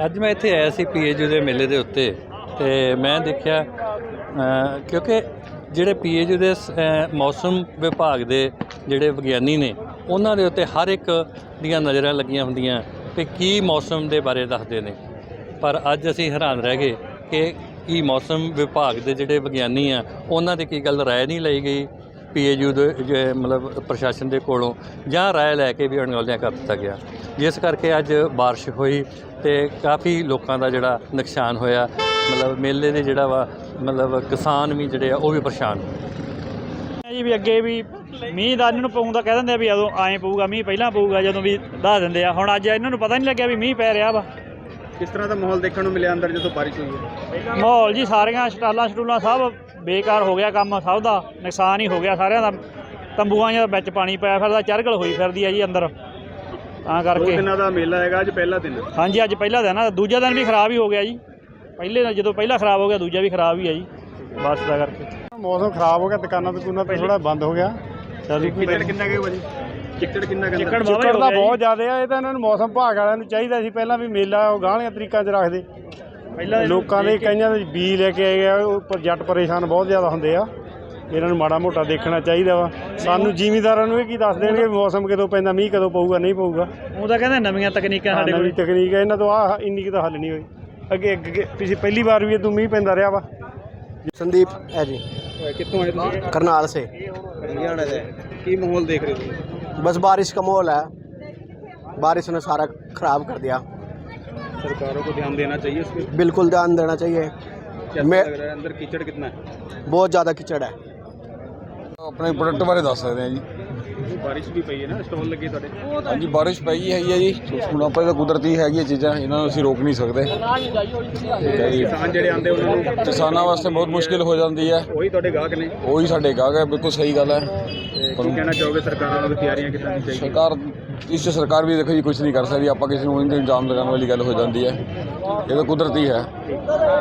ਅੱਜ मैं ਇੱਥੇ ਆਇਆ ਸੀ PAU ਦੇ ਮੇਲੇ ਦੇ ਉੱਤੇ ਤੇ ਮੈਂ ਦੇਖਿਆ ਕਿਉਂਕਿ ਜਿਹੜੇ PAU ਦੇ ਮੌਸਮ ਵਿਭਾਗ ਦੇ ਜਿਹੜੇ ਵਿਗਿਆਨੀ ਨੇ ਉਹਨਾਂ ਦੇ ਉੱਤੇ ਹਰ ਇੱਕ ਦੀਆਂ ਨਜ਼ਰਾਂ ਲੱਗੀਆਂ ਹੁੰਦੀਆਂ ਕਿ ਕੀ ਮੌਸਮ ਦੇ ਬਾਰੇ ਦੱਸਦੇ ਨੇ। ਪਰ ਅੱਜ ਅਸੀਂ ਹੈਰਾਨ ਰਹਿ ਗਏ ਕਿ ਕੀ ਮੌਸਮ ਵਿਭਾਗ ਦੇ ਜਿਹੜੇ ਵਿਗਿਆਨੀ ਆ ਉਹਨਾਂ ਦੀ ਕੀ ਗੱਲ ਰਾਏ ਨਹੀਂ ਲਈ ਗਈ PAU ਦੇ ਮਤਲਬ ਪ੍ਰਸ਼ਾਸਨ ਦੇ ਕੋਲੋਂ, ਜਾਂ ਰਾਏ ਲੈ ਕੇ ਵੀ ਅਣਗੌਲਿਆਂ ਕਰ ਦਿੱਤਾ ਗਿਆ, ਜਿਸ ਕਰਕੇ ਅੱਜ ਬਾਰਿਸ਼ ਹੋਈ ਤੇ ਕਾਫੀ ਲੋਕਾਂ ਦਾ ਜਿਹੜਾ ਨੁਕਸਾਨ ਹੋਇਆ। ਮਤਲਬ ਮੇਲੇ ਦੇ ਜਿਹੜਾ ਵਾ ਮਤਲਬ ਕਿਸਾਨ ਵੀ ਜਿਹੜੇ ਆ ਉਹ ਵੀ ਪਰੇਸ਼ਾਨ ਜੀ ਵੀ ਅੱਗੇ ਵੀ ਮੀਂਹ ਦਾ ਇਹਨਾਂ ਨੂੰ ਪਊਂਦਾ ਕਹਿ ਦਿੰਦੇ ਆ ਵੀ ਉਦੋਂ ਐਂ ਪਊਗਾ ਮੀਂਹ ਪਹਿਲਾਂ ਪਊਗਾ ਜਦੋਂ ਵੀ ਦੱਸ ਦਿੰਦੇ ਆ। ਹੁਣ ਅੱਜ ਇਹਨਾਂ ਨੂੰ ਪਤਾ ਨਹੀਂ ਲੱਗਿਆ ਵੀ ਮੀਂਹ ਪੈ ਰਿਹਾ ਵਾ। ਕਿਸ ਤਰ੍ਹਾਂ ਦਾ ਮਾਹੌਲ ਦੇਖਣ ਨੂੰ ਮਿਲਿਆ ਅੰਦਰ ਜਦੋਂ ਬਾਰਿਸ਼ ਹੋਈ ਹੈ? ਮਾਹੌਲ ਜੀ ਸਾਰੀਆਂ ਸਟਾਲਾਂ ਸਭ ਬੇਕਾਰ ਹੋ ਗਿਆ, ਕੰਮ ਸਭ ਦਾ ਨੁਕਸਾਨ ਹੀ ਹੋ ਗਿਆ ਸਾਰਿਆਂ ਦਾ। ਤੰਬੂਆਂ ਦੇ ਵਿੱਚ ਪਾਣੀ ਪਿਆ ਫਿਰਦਾ, ਚਰਗਲ ਹੋਈ ਫਿਰਦੀ ਹੈ ਜੀ ਅੰਦਰ, ਤਾਂ ਕਰਕੇ। 2 ਦਿਨਾਂ ਦਾ ਮੇਲਾ ਹੈਗਾ, ਅੱਜ ਪਹਿਲਾ ਦਿਨ। ਹਾਂਜੀ ਅੱਜ ਪਹਿਲਾ ਦਿਨ ਆ, ਦੂਜਾ ਦਿਨ ਵੀ ਖਰਾਬ ਹੀ ਹੋ ਗਿਆ ਜੀ। ਪਹਿਲੇ ਜਦੋਂ ਪਹਿਲਾ ਖਰਾਬ ਹੋ ਗਿਆ ਦੂਜਾ ਵੀ ਖਰਾਬ ਹੀ ਹੈ ਜੀ ਬਸ ਦਾ ਕਰਕੇ। ਮੌਸਮ ਖਰਾਬ ਹੋ ਗਿਆ, ਦੁਕਾਨਾਂ ਤੇ ਥੋੜਾ ਬੰਦ ਹੋ ਗਿਆ। ਚਿੱਕੜ ਕਿੰਨਾ ਕੁ ਭਾਜੀ? ਚਿੱਕੜ ਕਿੰਨਾ ਕੁ? ਚਿੱਕੜ ਦਾ ਬਹੁਤ ਜ਼ਿਆਦਾ ਆ। ਇਹ ਤਾਂ ਇਹਨਾਂ ਨੂੰ ਮੌਸਮ ਵਿਭਾਗ ਵਾਲਿਆਂ ਨੂੰ ਚਾਹੀਦਾ ਸੀ ਪਹਿਲਾਂ ਵੀ ਮੇਲਾ ਉਹ ਗਾਹਲੀਆਂ ਤਰੀਕਾਂ 'ਚ ਰੱਖਦੇ। ਪਹਿਲਾਂ ਲੋਕਾਂ ਦੇ ਕਈਆਂ ਦੇ ਬੀਜ ਲੈ ਕੇ ਆਏ ਆ, ਉਹ ਜੱਟ ਪਰੇਸ਼ਾਨ ਬਹੁਤ ਜ਼ਿਆਦਾ ਹੁੰਦੇ ਆ। ਇਹਨਾਂ ਨੂੰ ਮਾੜਾ ਮੋਟਾ ਦੇਖਣਾ ਚਾਹੀਦਾ ਵਾ। ਸਾਨੂੰ ਜ਼ਿਮੀਂਦਾਰਾਂ ਨੂੰ ਇਹ ਕੀ ਦੱਸ ਦੇਣਗੇ ਮੌਸਮ ਕਦੋਂ ਪੈਂਦਾ, ਮੀਂਹ ਕਦੋਂ ਪਊਗਾ ਨਹੀਂ ਪਊਗਾ। ਉਹ ਤਾਂ ਕਹਿੰਦੇ ਨਵੀਆਂ ਤਕਨੀਕਾਂ ਸਾਡੇ ਨਵੀਂ ਤਕਨੀਕ ਹੈ, ਇਹਨਾਂ ਤੋਂ ਆਹ ਇੰਨੀ ਕੁ ਤਾਂ ਹੱਲ ਨਹੀਂ ਹੋਈ। ਅੱਗੇ ਪਹਿਲੀ ਵਾਰ ਵੀ ਇਦੋਂ ਮੀਂਹ ਪੈਂਦਾ ਰਿਹਾ ਵਾ। संदीप है जी, ਕਿੱਥੋਂ ਆਏ ਤੁਸੀਂ? करनाल से। ਹਰਿਆਣਾ ਦੇ ਕੀ ਮਾਹੌਲ ਦੇਖ ਰਹੇ ਹੋ? बस बारिश का माहौल है, बारिश ने सारा ख़राब कर दिया। सरकारों को ध्यान देना चाहिए इस पर। बिल्कुल ध्यान देना चाहिए। कैसा लग रहा है अंदर? कीचड़ कितना है? बहुत ज़्यादा कीचड़ है। ਆਪਣੇ ਪ੍ਰੋਡਕਟ ਬਾਰੇ ਦੱਸ ਸਕਦੇ ਹਾਂ ਜੀ। ਬਾਰਿਸ਼ ਵੀ ਪਈ ਹੈ ਨਾ, ਸਟਾਲ ਲੱਗੇ ਤੁਹਾਡੇ? ਹਾਂਜੀ ਬਾਰਿਸ਼ ਪਈ ਹੈਗੀ ਹੈ ਜੀ। ਹੁਣ ਆਪਾਂ ਤਾਂ ਕੁਦਰਤੀ ਹੈਗੀਆਂ ਚੀਜ਼ਾਂ, ਇਹਨਾਂ ਨੂੰ ਅਸੀਂ ਰੋਕ ਨਹੀਂ ਸਕਦੇ। ਠੀਕ ਹੈ ਜੀ। ਕਿਸਾਨ ਜਿਹੜੇ ਆਉਂਦੇ ਉਹਨਾਂ ਨੂੰ, ਕਿਸਾਨਾਂ ਵਾਸਤੇ ਬਹੁਤ ਮੁਸ਼ਕਿਲ ਹੋ ਜਾਂਦੀ ਹੈ। ਉਹੀ ਤੁਹਾਡੇ ਗਾਹਕ ਨੇ? ਉਹੀ ਸਾਡੇ ਗਾਹਕ ਹੈ, ਬਿਲਕੁਲ ਸਹੀ ਗੱਲ ਹੈ। ਕੀ ਕਹਿਣਾ ਚਾਹੋਗੇ ਸਰਕਾਰਾਂ ਨੂੰ ਤਿਆਰੀਆਂ ਕਿੱਦਾਂ ਦੀ ਚਾਹੀਦੀ? ਸਰਕਾਰ ਇਸ 'ਚ ਸਰਕਾਰ ਵੀ ਦੇਖੋ ਜੀ ਕੁਝ ਨਹੀਂ ਕਰ ਸਕਦੀ। ਆਪਾਂ ਕਿਸੇ ਨੂੰ ਇਲਜ਼ਾਮ ਲਗਾਉਣ ਵਾਲੀ ਗੱਲ ਹੋ ਜਾਂਦੀ ਹੈ। ਇਹ ਤਾਂ ਕੁਦਰਤੀ ਹੈ।